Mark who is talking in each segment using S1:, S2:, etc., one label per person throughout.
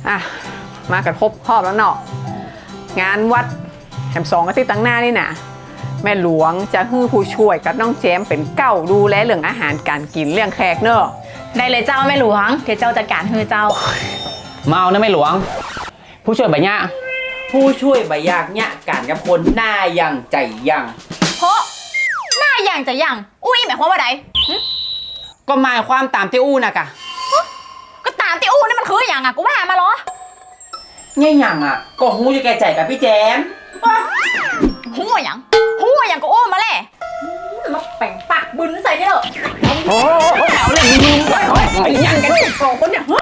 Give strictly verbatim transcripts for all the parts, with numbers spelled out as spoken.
S1: อ่ะมากันครบครอบแล้วเนาะงานวัดแถมสองอาทิตย์ตั้งหน้านี่นะแม่หลวงจะฮื้อผู้ช่วยกับน้องแจมเป็นเก้าดูแลเรื่องอาหารการกินเรื่องแขกเนอะ
S2: ได้เลยเจ้าแม่หลวงเดี๋ยวเจ้าจัดการให้เจ้า
S3: เมานะแม่หลวงผู้ช่วยใบหญ้า
S4: ผู้ช่วยใบยากเนี่ยการกับคนหน้ายังใจยัง
S2: เพราะหน้าอย่างจะอย่างอุ้ยหมายความว่าไร
S3: ก็หมายความตามที่อู้นะกะ
S2: ก็ตามที่อู้นี่มันคืออย่างอ่ะกูว่ามาเหรอ
S4: เนี่ยอย่างอ่ะก็หูจะแก่ใจกับพี่แจม
S2: หัวอย่างหัวอย่างก็อู้มาแหละมาแป่งปากบึนใส่ได้เหรอ
S1: โอ้เอาเลยมึงไปยังกันเนี่ยสองคนเนี่ยฮะ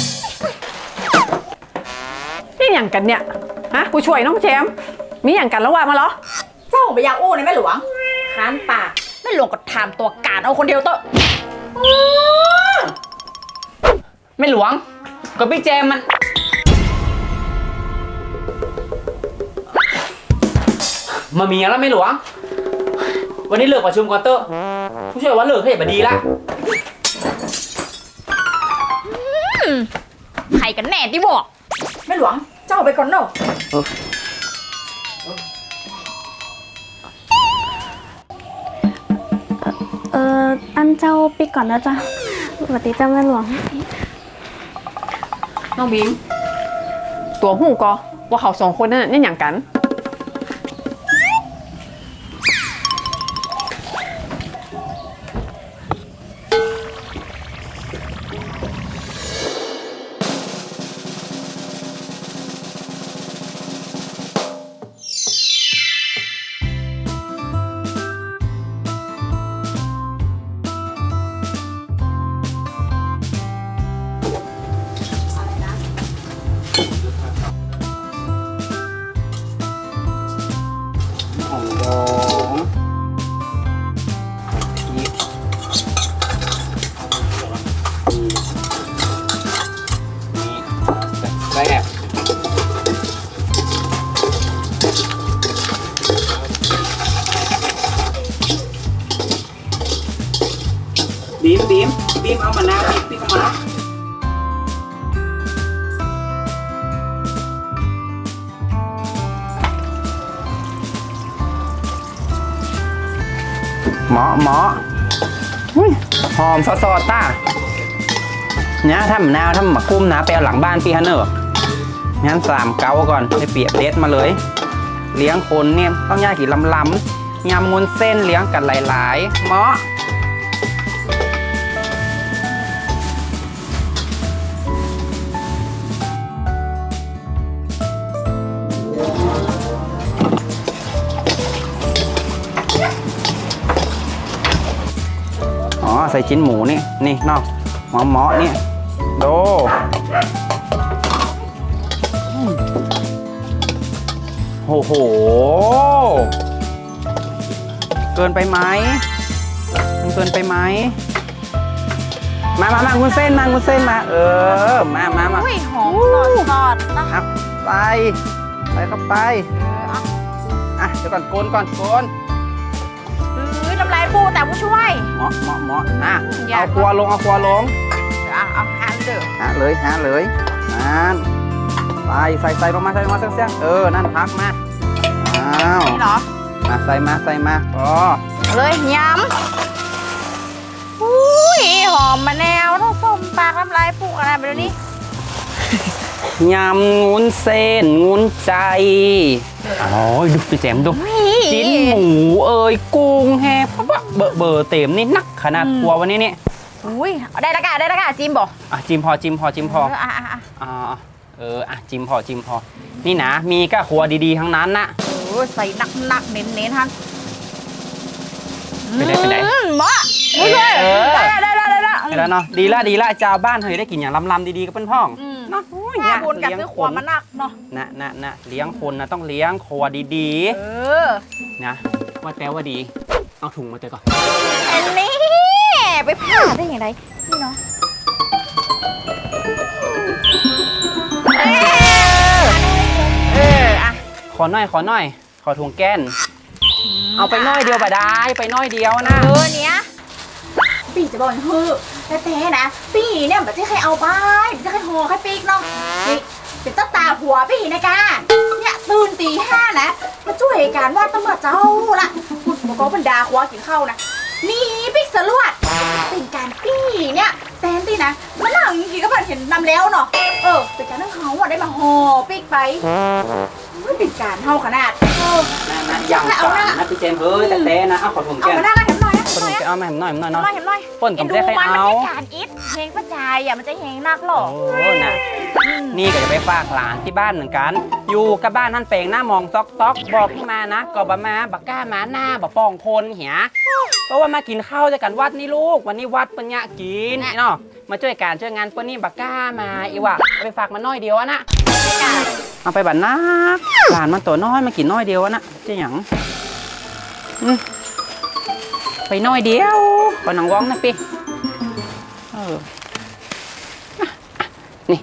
S1: นี่อย่างกันเนี่ยฮะผู้ช่วยน้องแจมมีอย่างกันแล้วว่ามาเหรอ
S2: เจ้าไปยาอู้ในแม่หลวงค้านปากแม่หลวงก็ทำตัวการเอาคนเดียวเตอะ
S3: แม่หลวงก็พี่แจมมันมาเมียแล้วแม่หลวงวันนี้เลิกประชุมก่อนเตอะผู้ช่วยว่าเลิกให้บดีละ
S2: ใครกันแน่ที่บอกแม่หลวงเจ้าไปก่อนเนาะ
S5: เอออันเจ้าปีก่อนนะจ๊ะสวัสดีเจ้าแม่หลวง
S1: น้องบีมตัวหูก็ว่าเขาสองคนนั่นนี่อย่างกัน
S3: แซ่บบีมบีมบีมเอามะนาวบีมพี่เข้ามาหมอหมอหอมซอสต้าเนี่ยถ้ามะนาวถ้ามะกุ้มนะไปเอาหลังบ้านพี่ฮันเนอร์งั้นสามเกาก่อนไปเปียกเด็ดมาเลยเลี้ยงคนเนี่ยต้องย่างกี่ลำลำยำงุนเส้นเลี้ยงกันหลายๆหมออ๋อใส่ชิ้นหมูนี่นี่นอกหมอหมอนี่ดูโอ้โหเกินไปไหมมันเกินไปไหมมามามาคุณเส้นมาคุณเส้นมาเออมามามา
S2: อุ้ยหอมสดสดนะ
S3: ใส่ใส่เข้าไปอ่ะเดี๋ยวก่อนโกนก่อนโกน
S2: อุ้ยน้ำลายฟูแต่ผู้ช่วย
S3: หมอหมอหมออ่ะเอาครัวลงเอาครัวลง
S2: เอาเอาหาเด้อ
S3: หาเลยหาเลยนั่นใส่ใส่ใส่ลงมาใส่ลงมาเสี้ยงๆเออนั่นพักมาอ้าว
S2: นี่เหรอ
S3: มาใส่มาใส่มาพอ
S2: เลยยำอุ้ยหอมมะนาวทั้งส้มปากน้ำลายฟูอะไรแบบนี้
S3: ยำงุ้นเส้นงุ้นใจอ๋อดูไปแจมดูจิ้นหมูเอ้ยกุ้งแฮปะเบอร์เบอร์เต็มนี่นักขนาดครัววันนี้นี่
S2: อุ้ยได้ละกะได้ละกะจิ้มบ่
S3: อ่ะจิ้มพอจิ้มพอจิ้มพอ
S2: อ่ะอ่ะอ่ะ
S3: อ่าเอออ่ะจิ้มพอจิ้มพอนี่นะมีก็ครัวดีๆทั้งนั้นนะ
S2: โอ้ใส่นักนักเน้นเน้นท่าน
S3: ไปไหนไปไหน
S2: หมอได้ได้ได้ได้ได้
S3: แล้วเนาะดีละดีละเจ้าบ้านเฮ้ยได้กินอย่างลำๆดีๆกับเพื่อนพ้อง
S2: เนาะแม่บุญกับซื้อขวามานักเนาะ
S3: นะนะนะเลี้ยงคนนะต้องเลี้ยงครัวดี
S2: ๆเออ
S3: นะว่าแต่ว่าดีเอาถุงมาเตะก่อน
S2: อันนี้ไปผ่าได้อย่างไรนี่เนาะเอออะ
S3: ขอหน่อยขอหน่อยขอถุงแก้นเอาไปน้อยเดียวบ่ได้ไปน้อยเดียวนะ
S2: เออเนี้ยปีจะบอกเฮ้อแต่แต่นะปีเนี่ยมันจะใครเอาไปมันจะใครห่อใครปีกเนาะนี่เป็นตาตาหัวพี่นะกาเนี่ยตื่นตีห้านะมาช่วยการวาดตำรวจเจ้าละพูดบอกว่าบรรดาหัวกินข้าวนะนี่ปิ๊กสลวดเป็นการปี้เนี่ยแตนตี้นะมันหลังจริงๆก็ผ่านเห็นนำแล้วเนาะเออเป็นการนั่งเขาอะได้มาห่อปิ๊กไปไม่เป็นการเท่าขนาดเออ
S3: นะนะอย่างก่อนนะพี่เจมส์เฮ้ยแต่แต่นะเอาขอถุง
S2: เอา
S3: แก้ม
S2: มาหน้าเห็นหน่อยนะ
S3: ขอถุงแก้มเอามาให้ผมหน่อยผมหน่อย
S2: หน่
S3: เนาะ
S2: อยเห็นหน่อย
S3: ป่นผมจะให้
S2: มัน
S3: เอา
S2: เป็นการอิดเพลงประจายอ่ะมันจะแหงนักหรอ
S3: โอ้นะนี่ก็จะไปฝากหลานที่บ้านเหมือนกัน อยู่กับบ้านท่านเปงหน้ามองซอกซอกบอกพี่มานะก็บมาบักก้ามาหน้าบักปองคนเหียเพราะว่ามากินข้าวด้วยกันวัดนี่ลูกวันนี้วัดปัญญากินเนาะมาช่วยการช่วยงานปันนี่บักก้ามาอีว่ะเอาไปฝากมันน้อยเดียวอะนะเอาไปบัดนักหลานมันตัวน้อยมากินน้อยเดียวอะนะเจ๊หยังอืมไปน้อยเดียวก่อนหนังว้องนะพี่เออนี่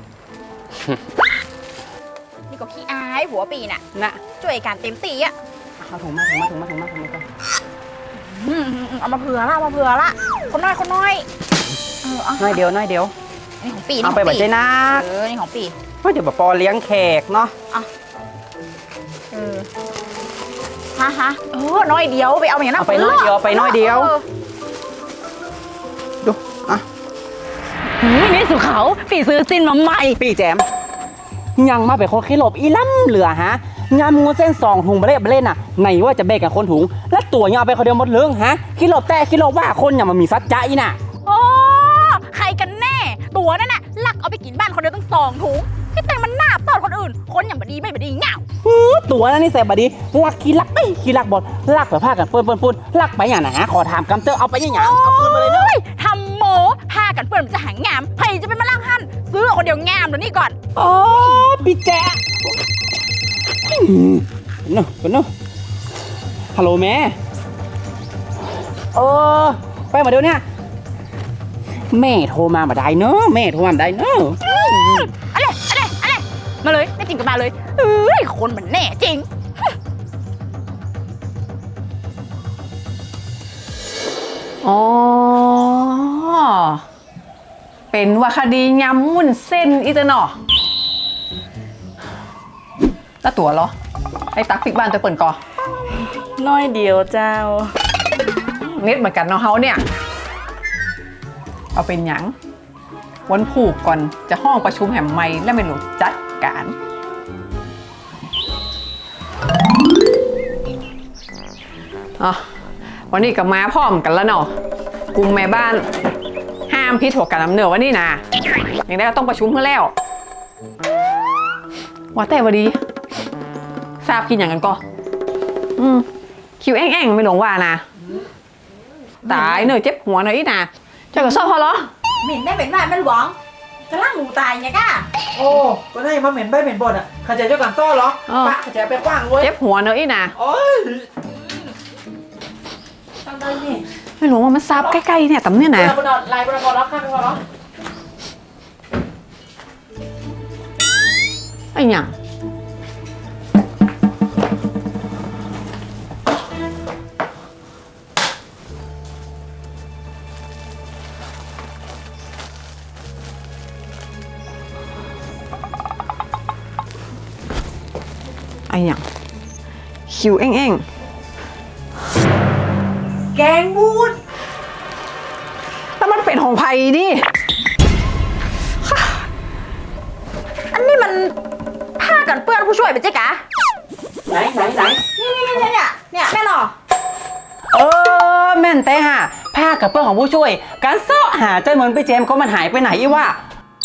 S2: นี่ก็ขี้อายหัวปีน่ะ
S3: นะ
S2: ช่วยการเต็มตีอ่ะ
S3: เอาถุงมาถุงมาถุงมาถุงมาถุงมาก่อน
S2: อืมเอามาเผื่อละเอามาเผื่อละคนน้อยคนน้อยเออเอา
S3: น้อยเดียวน้อยเดียว
S2: นี่ของปี
S3: เอาไปบัดเจนัก
S2: เออนี่ของปี
S3: เพราะเดี๋ยวแบบปอเลี้ยงแขกเนาะ
S2: เออฮะฮะเออน้อยเดียวไปเอาอย่างนั้น
S3: เอาไปน้อยเดียวไปน้อยเดียว
S2: ออ
S3: ดูอ่ะ
S5: นี่สุเขาฝีซื้อซินมาใหม่
S3: พี่แจมยังมาเป็นคนขี้หลบอีล่ำเหลือฮะงานมูเส้นสองถุงมาเล่มาเล่นน่ะไหนว่าจะแบกกับคนถุง แล้วตัวยังเอาไปคนเดียวหมดเรื่องฮะขี้หลบแต่ขี้หลบว่าคนอย่ามามีซัดใจน่ะ
S2: โอ้ใครกันแน่ ตัวนั่นน่ะลักเอาไปกินบ้านคนเดียวตั้งสองถุงที่แต่งมันหน้าตอนคนอื่น คนอย่างบดีไม่บดีเหงา
S3: อื้อตัวนั้นนี่แสบบดีลักขี้ลักไปขี้ลักบอลลักไปผ้ากันเปื้อนเปื้อนปุ้นลักไปอย่างไหนฮะขอถามกำเตอร์เอาไปอย่างไงเอาคืนมาเลยเนอะ
S2: โอ้ยทำโมพากันเปื่อนมันจะหางามใครจะเป็นมาล่างหันซื้อเอาคนเดียวงามเดี๋ยวนี้ก่อน
S3: โอ้พี่แจ๊ะเนอะเนอะฮัลโหลแม่เออไปมาเดี๋ยวเนี้แม่โทรมาบ่ได้เนอะแม่โทรมาบ่ได้เนอะ
S2: อะไรอะไรอะไรมาเลยไม่จริงก็มาเลยเอ้ยคนมันแน่จริง
S1: อ๋อ เป็นว่าคดียำมุ่นเส้นอีเตอร์เนาะแล้วตัวเหรอ ไอ้ตักปิกบ้านตัวเปิ่นก่อ
S5: น้อยเดียวเจ้า
S1: เน็ตเหมือนกันเนาะเฮาเนี่ย เอาเป็นหยังวันผูกก่อนจะห้องประชุมแห่งไม่และไม่รู้จัดการอ๋อวันนี้กับมาพร้อมกันแล้วเนาะกลุ่มแม่บ้าน ห้ามพิษหัวกันน้ำเหนือวันนี้นะอย่างได้ก็ต้องประชุมเพื่อแล้วว่าแต่วันดีทราบกินอย่างกันก็อืมคิวแอ่งๆไม่หลงว่านะตายเหนื่อยเจ็บหัวหน่อยอีนะเจ้าก็ชอบพอเหรอ
S2: เหม็นได้เหม็นว่ามันหวังจะล่างหนูตายไงก้า
S4: โอ้ก็ได้มาเหม็นใบเหม็นบดอ่ะเข้าใจเจ้ากันซ่อเหรอปะเข้าใจไปกว้างเว้ย
S1: เจ็บหัวเนอะอีนะ
S4: โอ้ยทำได้นี่
S1: ไม่รู้ว่ามันซับใกล้ๆเนี่ยตำเนี่ยนะ
S4: บนอดลายบนอดแล้วข้างบนอด
S1: ไอ้หยังไอ้หยังคิวเอ้งๆแกงบูดแล้วมันเป็นของไผ่ดิ
S2: อันนี้มันผ้ากันเปื้อนผู้ช่วยเป็นเจ๊กะ
S3: ไหนไหนไหน
S2: นี่นี่นี่เนี่ยเนี่ยแม่หรอ
S3: เออแม่นแต่ฮะผ้ากับเปื้อนของผู้ช่วย การเสาะหาเจ้าเหมือนไปเจมส์ก็มันหายไปไหนอีวะ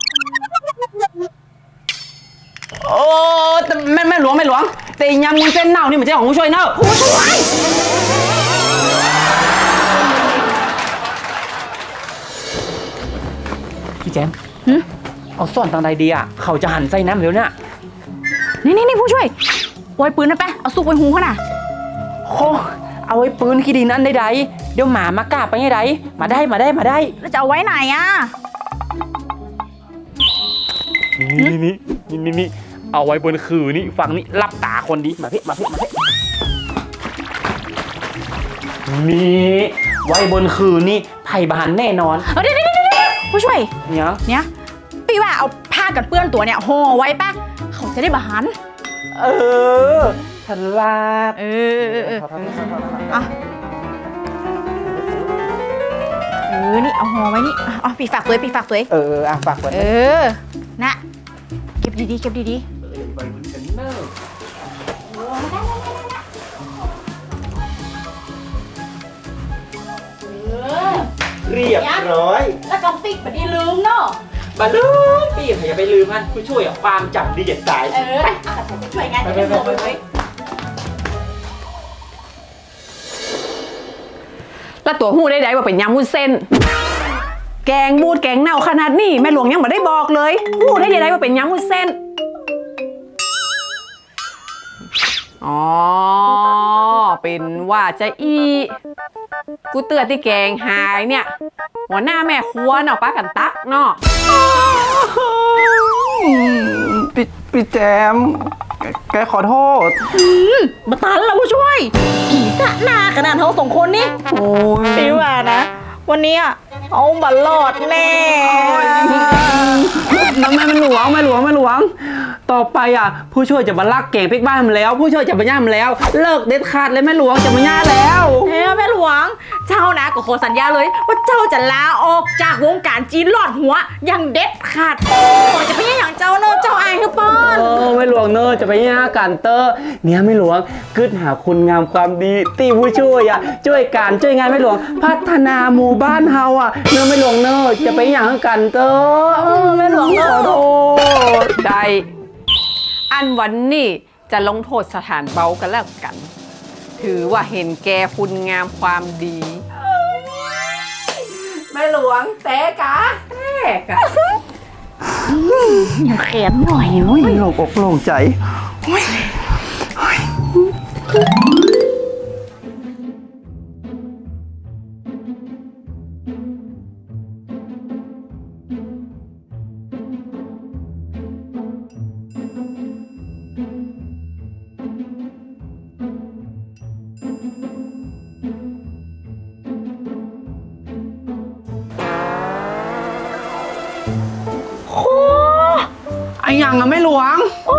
S3: โอ้แต่แม่แม่หลวงแม่หลวงแต่ยำมุนเส้นเน่านี่มันใช่ของผู้ช่วยเนอะผู้ช่วยพี่แจมเอาซ่อนทางใดดีอ่ะเขาจะหันใจน้ำเร็วเนี่ย
S2: นี่นี่นี่ผู้ช่วยโวยปืนนะแปะเอาซุกไว้หูเขาน่ะ
S3: โอ้เอาไว้ปืนขี้ดินนั่นใดๆเดี๋ยวหมามากล้าไปไงใดมาได้มาได้มาได้
S2: แล้วจะเอาไว้ไหนอ่ะ
S3: นี่นี่นี่นี่นี่เอาไว้บนคือนี่ฟังนี่รับตาคนดีมาพี่มาพี่มาพี่นี่ไว้บนคือนี่ไผ่บานแน่นอน
S2: เออเดี๋ยวเดี๋ยวเดี๋ยวผู้ช่วย
S3: เนี่ย
S2: เนี่ยพี่ว่าเอาผ้ากันเปื้อนตัวเนี่ยห่อไว้ปะเขาจะได้บาหัน
S4: เออฉลาด
S2: เออเออเออ
S4: ขอโทษขอโทษขอโทษ
S2: อ่ะเออนี่เอาห่อไว้นี่อ่ะเอาปีฝากตัวปีฝากตัว
S4: เอออ่ะฝากไว้
S2: เออนะเก็บดีๆเก็บดี
S4: เรียบร้อย
S2: ๆแล้วกองติ๊กบัดนี้ลืมเนาะ
S4: มาลืมพี่อย่าไปลืมมันผู้ช่วยความจำดีเด็ดสาย
S2: เออไปอ่ะช่วยงานจะได้หมดไป
S1: แล้วตัวหู้ได้ไดว่าเป็นยำวุ้นเส้น แกงบูดแกงเน่าขนาดนี้แม่หลวงยังไม่ได้บอกเลยหู้ได้ยังไงว่าเป็นยำวุ้นเส้นอ๋อเป็นว่าจะอีกูเตือนที่แกงหายเนี่ยหัวหน้าแม่ครัวเนาะป้ากันตักเนาะ
S3: พี่พี่แจมแกแกขอโทษ
S2: มาตันแล้วผู้ช่วยผีสะหน้าขนาดเขาสองคนนี่
S3: โอ้ย
S2: พี่ว่านะ วันนี้อ่ะเอาบัลลอดแน่
S3: น้ำแม่มันหลวงแม่หลวงแม่หลวง ต่อไปอ่ะ ผู้ช่วยจะมาลักเก่งพริกบ้านมันแล้ว ผู้ช่วยจะมาย่ามันแล้ว เลิกเด็ดขาดเลยแม่หลวงจะมาย่าแล้ว
S2: เฮ้ยแม่หลวง เจ้านะก็ขอสัญญาเลย ว่าเจ้าจะลาออกจากวงการจีนหลอดหัวอย่างเด็ดขาดโอ้จะไม่ใช่อย่างเจ้าเนอะเจ้าอายคือป้อน
S3: เออไม่หลวงเนอะจะไปย่ากันเตอร์เนี่ยไม่หลวงกึศหาคุณงามความดีตีผู้ช่วยอ่ะช่วยการช่วยงานไม่หลวง พัฒนาหมู่บ้านเฮาอ่ะเนอะไม่หลวงเนอะจะไปอย่างกันเตอร์เออไม่หลวงเนอะขอโทษ
S1: ได้อันวันนี้จะลงโทษสถานเบากันแล้วกัน ถือว่าเห็นแกคุณงามความดีแม่หลวงเตะกะเตะกะ
S2: แขนหน่อย
S3: โอ้ยโล่งอกโล่งใจ
S2: โอ้
S3: ไอ้ยังอะไม่หลวง
S2: โอ้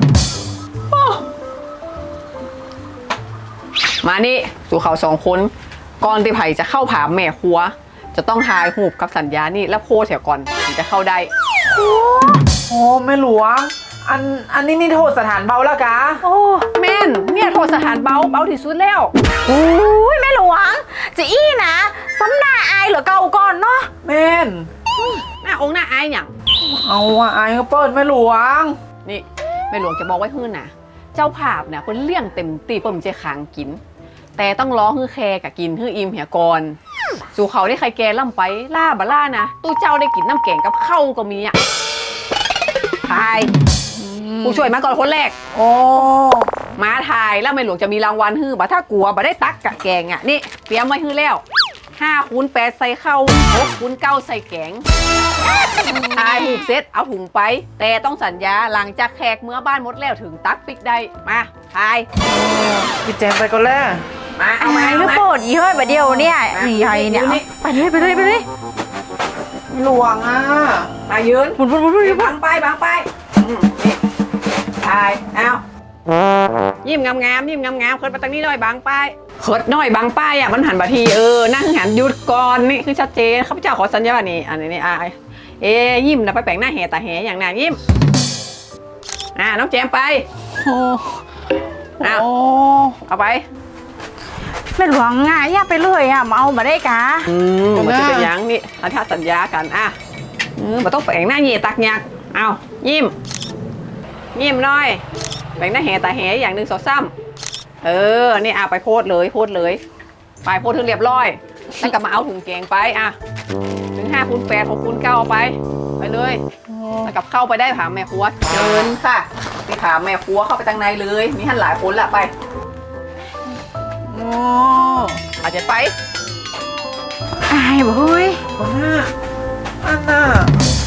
S1: มานี่สู่เขาสองคนก่อนที่ไผ่จะเข้าผาแม่ครัว จะต้องทายหูบกับสัญญานี่แล้วโพสเสียก่อนถึงจะเข้าได้
S4: โอ้แม่หลวง อันอันนี้นี่โทษสถานเบาแล้วกะ
S2: โอ้
S1: แม่นเนี่ยโทษสถานเบาเบาที่สุดแล้ว
S2: โอ้ยแม่หลวงจะอี้นะสำหน้าอายเหลือเก่าก่อนเนาะ
S4: แม่น
S1: หน้าองค์หน้าอายอย่าง
S4: เอาอ่ะไอ้ก็เปิดแม่หลวง
S1: นี่แม่หลวงจะบอกไว้ฮื้นนะเจ้าภาพเนี่ยเพิ่นเลี้ยงเต็มตีเพิ่นจะขางกิน แต่ต้องร้องฮื้อแคกับกินฮื้ออิ่มเหี่ยก่อนสู่เขาได้ใครแกล่ำไปล่าบะล่านะตู้เจ้าได้กินน้ำแกงกับข้าวก็มีอ่ะทายผู้ช่วยมาก่อนคนแรก
S4: โอ้
S1: มาทายแล้วแม่หลวงจะมีรางวัลฮื้อบ่ถ้ากลัวบ่ได้ตักกะแกงอ่ะนี่เตรียมไว้ฮื้อแล้วห้าคูณแปดใส่ข้าวหกคูณเก้าใส่แกงทายหูกเซ็ตเอาถุงไป แต่ต้องสัญญาหลังจากแขกเมื่อบ้านหมดแล้วถึงตักปิกได้มาทาย
S4: พี่แจมไปก่อนแล้ว
S1: มาเอามา
S2: ห
S1: เอา
S2: รือ
S1: มา
S2: โปรดยี่ห้อยประเดียวเนี่ยใหญ่เนี่ยไปเลยไปเลยไปเลย
S4: แม่หลวงอ่ะ
S1: มายืน
S2: บุญบุญบุญบุญ
S1: บังไปบังไปอืมนี่ทายเอายิ้มงามๆยิ้มงามๆเคิร์ดมาตั้งนี้หน่อยบังไปเคิร์ดหน่อยบังป้ายอ่ะมันหันบาทีเออนั่งหันหยุดก่อนนี่คือชัดเจนข้าพเจ้าขอสัญญาว่านี่อันนี้นี่อ่ะเอ้ยิ้มนะไปแปลงหน้าแห่ตาแห่อย่างนั้นยิ้มอ่ะน้องแจมไป
S4: โอ้
S1: เอา
S4: โอ้
S1: เอาไป
S2: แม่หลวงง่ายอย่าไปเลยอ่ะมาเอามาได้กะ
S1: อืมมันจะเป็นหยังนี่อันถ้าสัญญากันอ่ะอืมมันต้องแปลงหน้าเห่ตักยักเอายิ้มยิ้มหน่อยแปลงหน้าแห่ตาแห่อย่างหนึ่งสองสามเออนี่อ่ะไปโพสเลยโพสเลยไปโพสถึงเรียบร้อยแล้วก็มาเอาถุงแกงไปอ่ะถึงห้าคูณแปดหกคูณเก้าเอาไปไปเลยแล้วกับเข้าไปได้ผาแม่ครัวเดินค่ะไปผาแม่ครัวเข้าไปทางในเลยมีท่านหลายคนละไป
S4: โอ้
S1: อาจจะไป
S2: อายบ่เฮ้ย
S4: คนหน้าอันน่ะ